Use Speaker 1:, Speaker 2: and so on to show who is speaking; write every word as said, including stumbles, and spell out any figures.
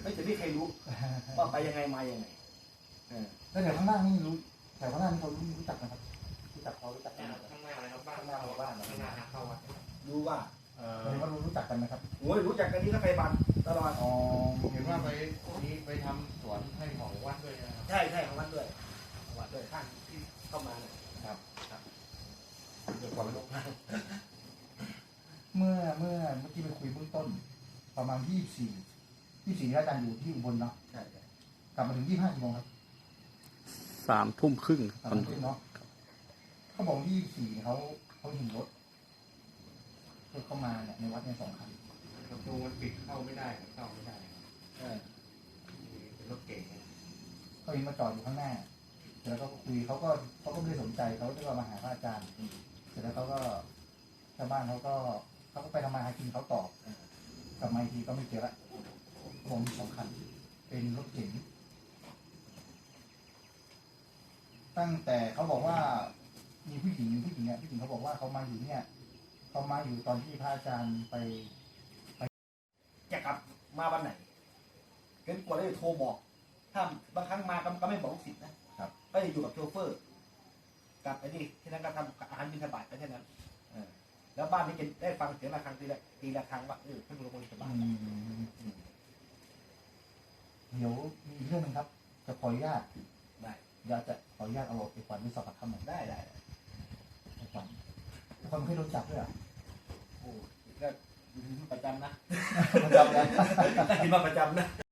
Speaker 1: ไม่จะไม่ใครรู้ว่าไปยังไงมายังไง
Speaker 2: แล้วแถวข้างล่างนี่รู้แถวข้างล่างนี่เขารู้จักนะครับรู้จักเขารู้จักกัน
Speaker 3: ข้างหน้าอะไรครับบ้านข้างหน้าบ้านข้างหน้าเข้าวัด
Speaker 1: รู้ว่า
Speaker 3: เอ
Speaker 2: เห็นว่ารู้จักกันไหมครับ
Speaker 1: โอ้ยรู้จักกันนี่ก็ไปบันตลอด
Speaker 2: อ๋อ
Speaker 3: เห็นว่าไปนี้ไปทำสวนให้ของวัดด้วยนะครับ
Speaker 1: ใช่ใช่ของวัดด้วยของวัดด้วยข้างที่เข้ามาเนี่ย
Speaker 3: ครับครับเดี๋ยวก่อนไปลงข้าง
Speaker 2: เมื่อเมื่อเมื่อกี้ไปคุยเบื้องต้น ประมาณยี่สิบสี่ยี่สิบสี่ที่อาจารย์อยู่ที่อุบลเนาะ
Speaker 1: ใช่ใช่
Speaker 2: กลับมาถึงยี่สิบห้ากี่โมงครับ
Speaker 4: สามทุ่มครึ่ง
Speaker 2: สามทุ่มเนาะเขาบอกยี่สิบสี่เขาเขาเห็นรถรถเข้ามาเนี่ยในวัดเนี่ยสองคัน
Speaker 3: ประตูมันปิดเข้าไม่ได้เข้าไม่ได้
Speaker 1: เออ
Speaker 3: เป็นรถเก๋ง
Speaker 2: เขาเห็นมาจอดอยู่ข้างหน้าเสร็จแล้วเขาก็คุยเขาก็เขาก็ไม่ได้สนใจเขาก็มาหาพระอาจารย์เสร็จแล้วเขาก็ชาวบ้านเขาก็เขาก็ไปทำมาหากินเขาต่อกลับมาอีกทีก็ไม่เจอละผมสองคันเป็นรถเก๋งตั้งแต่เขาบอกว่ามีผู้หญิงผู้หญิงเนี่ยผู้หญิงเขาบอกว่าเขามาอยู่เนี่ยเขามาอยู่ตอนที่พระอาจารย์ไป
Speaker 1: จะกลับมาวันไหนเกินกว่าได้โทรบอก ถ้าบางครั้งมาก็ไม่บอกลูกศิษย์นะครับ ก็จะอยู่กับโชเฟอร์กลับไปนี่ที่นั้นก็ทำอาหารบิณฑบาตไปแค่นั้นเออแล้วบ้านนี้จะได้ฟังเสียงระฆังทีละทีละครั้งว่าเออท่านหลวงพ่อบิณฑบาต
Speaker 2: เดี๋ยวมีอีกเรื่องหนึงครับ จะขออนุญาต
Speaker 1: ได้
Speaker 2: อยากจะขออนุญาตเอาไปฝันไปสอบปากคำหน่อย
Speaker 1: ได้ได้
Speaker 2: ไปฝันคนไม่เคยโดนจับด้วยอ่ะ
Speaker 1: โอ้ก็ประจำนะ
Speaker 2: มันจำได้
Speaker 1: ได้ยินมาประจำนะ